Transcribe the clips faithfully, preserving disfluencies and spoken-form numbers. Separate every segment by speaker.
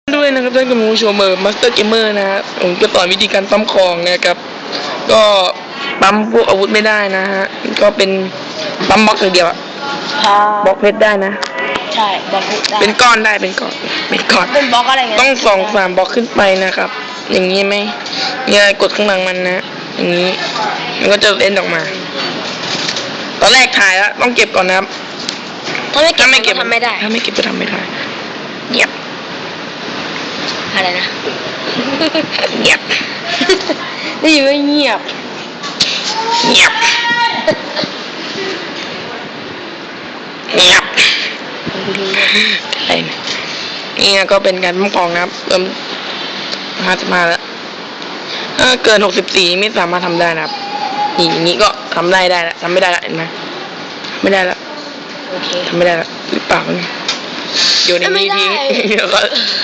Speaker 1: ด้วยนะครับท่านผู้ชมเมอร์มาสเตอร์เกมเมอร์นะฮะผมจะสอนวิธีการปั๊มของนะครับก็ปั๊มพวกอาวุธไม่ได้นะฮะก็เป็นปั๊มบล็อกอย่างเดียวอะบล็อกเพชรได้นะ
Speaker 2: ใช่บล็อกเพชรได้
Speaker 1: เป็นก้อนได้เป็นก้อนเป็นก้อน
Speaker 2: เป็นบล็อกอะไรเงี้ย
Speaker 1: ต้องสองสามบล็อกขึ้นไปนะครับอย่างนี้ไหมเนี่ยกดข้างหลังมันนะอย่างนี้มันก็จะเล่นออกมาตอนแรกถ่ายแล้วต้องเก็บก่อนนะครับ
Speaker 2: ถ้าไม่เก็บไม่เก็บทำไม่ได้
Speaker 1: ถ้าไม่เก็บจะทำไม่ได้เงียบ
Speaker 2: อะไรนะ
Speaker 1: เงียบ
Speaker 2: ได้ยินว่าเงียบ
Speaker 1: เงียบเงียบอะไรนี่ก็เป็นการปั๊มของนะครับเริ่มห้าสิบห้าแล้วถ้าเกินหกสิบสี่ไม่สามารถทำได้นะครับนี่อย่างนี้ก็ทำได้ได้แล้วทำไม่ได้แล้วเห็นไหมไม่ได้แล้วทำไม่ได้แล้วหรือเปล่าเนี่ยโยนในนี้ทิ้งเดี๋ยวก็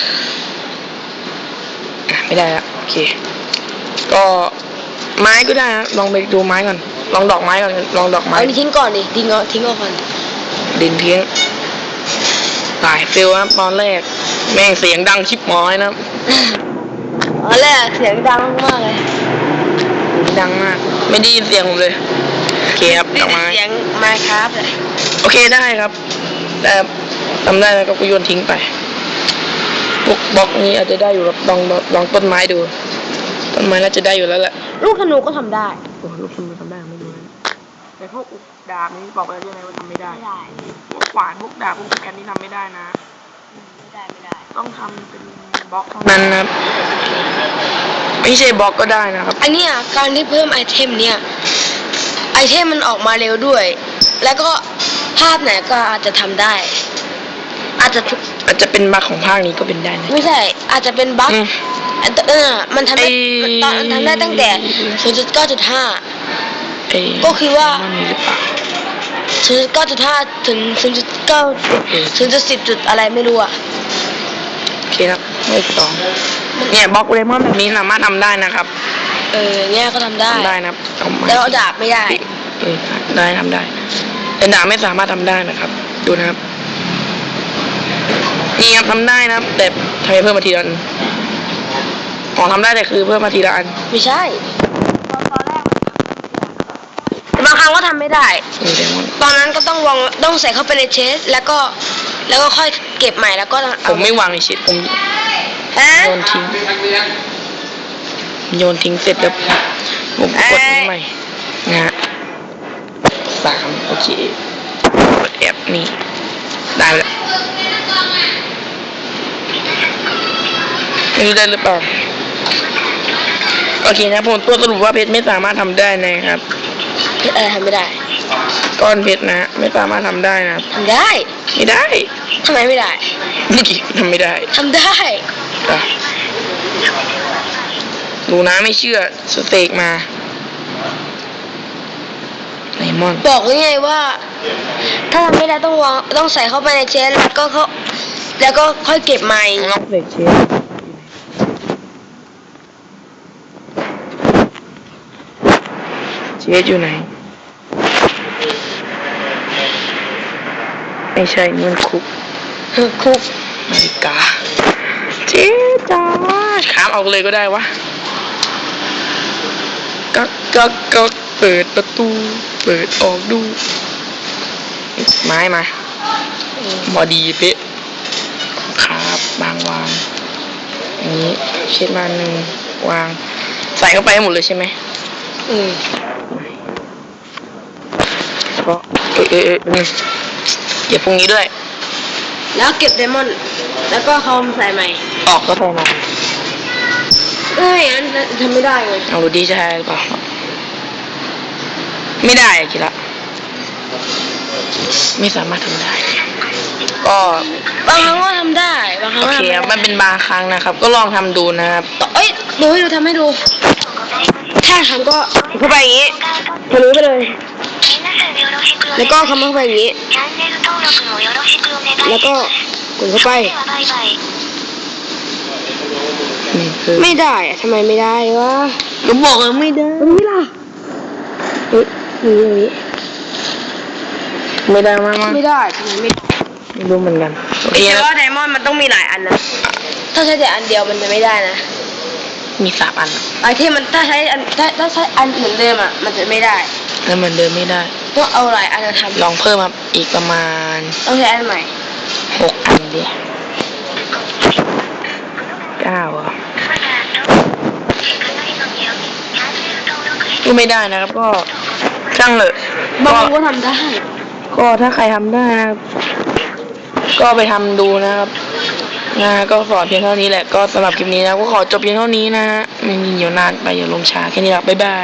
Speaker 1: ไม่ได้แล้วโอเคก็ไม้ก็ได้นะลองไปดูไม้ก่อนลองดอกไม้ก่อนลองดอกไม้
Speaker 2: เอาทิ้งก่อนดิทิ้งเอาทิ้งเอาก่อน
Speaker 1: ดินทิ้งหลายฟิลนะตอนแรกแม่งเสียงดังชิบหมอยนะ
Speaker 2: ตอนแรกเสียงดังมากเลย
Speaker 1: ดังมากไม่ได้ยินเสียงผมเลยโอเคครับดอกไม้
Speaker 2: เสียงไม้ครับเลย
Speaker 1: โอเคได้ครับแต่ทำได้แล้วก็โยนทิ้งไปพวกบล็อกนี้อาจจะได้อยู่ครับลองลองต้นไม้ดูต้นไม้น่าจะได้อยู่แล้วแหละ
Speaker 2: ลูกธนูก็ทำได้
Speaker 1: โอ้ลูกธนูทำได้ไม่รู้นะแต่พวกอุกดาบนี้บอกไปแล้วใช่ไหมว่าทำไม่ได้พวกขวานพวกดาบพวกแกนนี่ทำไม่ได้นะ
Speaker 2: ไม่ได้ไม่ได้
Speaker 1: ต้องทำเป็นบล็อกเท่านั้นนะครับไม่ใช่บล็อกก็ได้นะครับ
Speaker 2: อันนี้การที่เพิ่มไอเทมเนี่ยไอเทมมันออกมาเร็วด้วยแล้วก็ภาพไหนก็อาจจะทำได้อาจจะ
Speaker 1: อาจจะเป็นบั๊กของภาคนี้ก็เป็นได้นะ
Speaker 2: ไม่ใช่อาจจะเป็นบั๊กเออมันทำได้ตอนทำได้ตั้งแต่ ศูนย์จุดเก้าจุดห้า ก็คือว่า ศูนย์จุดเก้าจุดห้า ถึง ศูนย์จุดเก้า ศูนย์จุดสิบ จุดอะไรไม่รู้อ่ะ
Speaker 1: โอเคครับเลขสองเนี่ยบล็อกเลมอนแบบนี้สามารถทำได้นะครับ
Speaker 2: เออเนี่ยก็ทำได้
Speaker 1: ได้นะครับ
Speaker 2: แต่เอาดาบไม่ได้
Speaker 1: เออได้ทำได้แต่ดาบไม่สามารถทำได้นะครับดูนะครับนี่ครับทำได้นะครับแต่ทำไมเพิ่มมาทีละอันอ๋อทำได้แต่คือเพิ่มมาทีละอัน
Speaker 2: ไม่ใช่ตอนแรกบางครั้งก็ทำไม่ได้ตอนนั้นก็ต้องวางต้องใส่เข้าไปในเชสแล้วก็แล้วก็ค่อยเก็บใหม่แล้วก็
Speaker 1: ผมไม่วางในเชสผมโยนทิ้งโยนทิ้งเสร็จแล้วผมกดทิ้งใหม่นะฮะสามโอเคกดแอปนี่ได้แล้วไม่รู้ได้หรือเปล่าโอเคนะผมตัวสรุปว่าเพชรไม่สามารถทำได้นะครับ
Speaker 2: เพชรอะไรทำไม่ได้
Speaker 1: ก้อนเพชรนะไม่สามารถทำได้นะ
Speaker 2: ทำได้
Speaker 1: ไม่ได้
Speaker 2: ทำไมไม่ได้
Speaker 1: เมื่อกี้ทำไม่ได้
Speaker 2: ทำได้
Speaker 1: ดูนะไม่เชื่อสเต็กมาไลมอน
Speaker 2: บอกไงว่าถ้าทำไม่ได้ต้องวางต้องใส่เข้าไปในเชสแล้วก็เขาแล้วก็ค่อยเก็บใหม่
Speaker 1: ลองใส่เชสเชสอยู่ไหนไม่ใช่มันคุก
Speaker 2: คุก
Speaker 1: นาฬิกาเจ๊จ้าขามเอาเลยก็ได้วะกักกักกักเปิดประตูเปิดออกดูไม้มาพอดีเป๊ะครับบางวางอย่างนี้เช็ดมาหนึ่งวางใส่เข้าไปหมดเลยใช่ไหม
Speaker 2: อืม
Speaker 1: แล้วก็เออเออเออเก็บพวกนี้ด้วย
Speaker 2: แล้วเก็บไดมอนด์แล้วก็เขาใส่ใหม่
Speaker 1: ออกก็ใส่ใหม่
Speaker 2: เอ้ยอันทำไม่ได้เลย
Speaker 1: เอาดูดีใช่หรือเปล่าไม่ได้คิดละไม่สามารถทำได้ก็
Speaker 2: บางครั้งก็ทำได้บางครั้ง
Speaker 1: โอเคมันเป็นบางครั้งนะครับก็ลองทำดูนะครับ
Speaker 2: เอ้ยดูให้ดูทำให้ดูถ้าทำก็เข้าไปอย่างนี้ทะลุไปเลยแล้วก็คำเข้าไปอย่างนี้แล้วก็กดเข้าไปไม่ได้อะทำไมไม่ได้วะ
Speaker 1: ก็บอกว่าไม่ได้
Speaker 2: ตรงนี้ล่ะเฮ้ยนี่อย่างนี้
Speaker 1: ไม่ได้มาก
Speaker 2: ไม่ได้ทำไมไม่
Speaker 1: ไม่รู้เหมือนกัน
Speaker 2: โอเคว่าไดมอนด์มันต้องมีหลายอันนะถ้าใช้แต่อันเดียวมันจะไม่ได้นะ
Speaker 1: มีสามอัน
Speaker 2: ไอที่มันถ้าใช้อันถ้าถ้าใช้อันเหมือนเดิมอ่ะมันจะไม่ได้
Speaker 1: แล้วเหมือนเดิมไม่ได้
Speaker 2: ต้องเอาหลายอันมาท
Speaker 1: ลองเพิ่มครับอีกประมาณ
Speaker 2: ำต้องใช้อันใหม่
Speaker 1: หกอันดิเก้าอ่ะก็ไม่ได้นะครับ ก็ช่างเลย
Speaker 2: บาง
Speaker 1: ก็
Speaker 2: คนก็ทำได้
Speaker 1: ก็ถ้าใครทำได้นะครับ ก็ไปทำดูนะครับนะก็สอนเพียงเท่านี้แหละก็สำหรับคลิปนี้นะก็ขอจบเพียงเท่านี้นะฮะไม่มีเดี๋ยวนานไปอย่าลงช้าแค่นี้ละบ๊ายบาย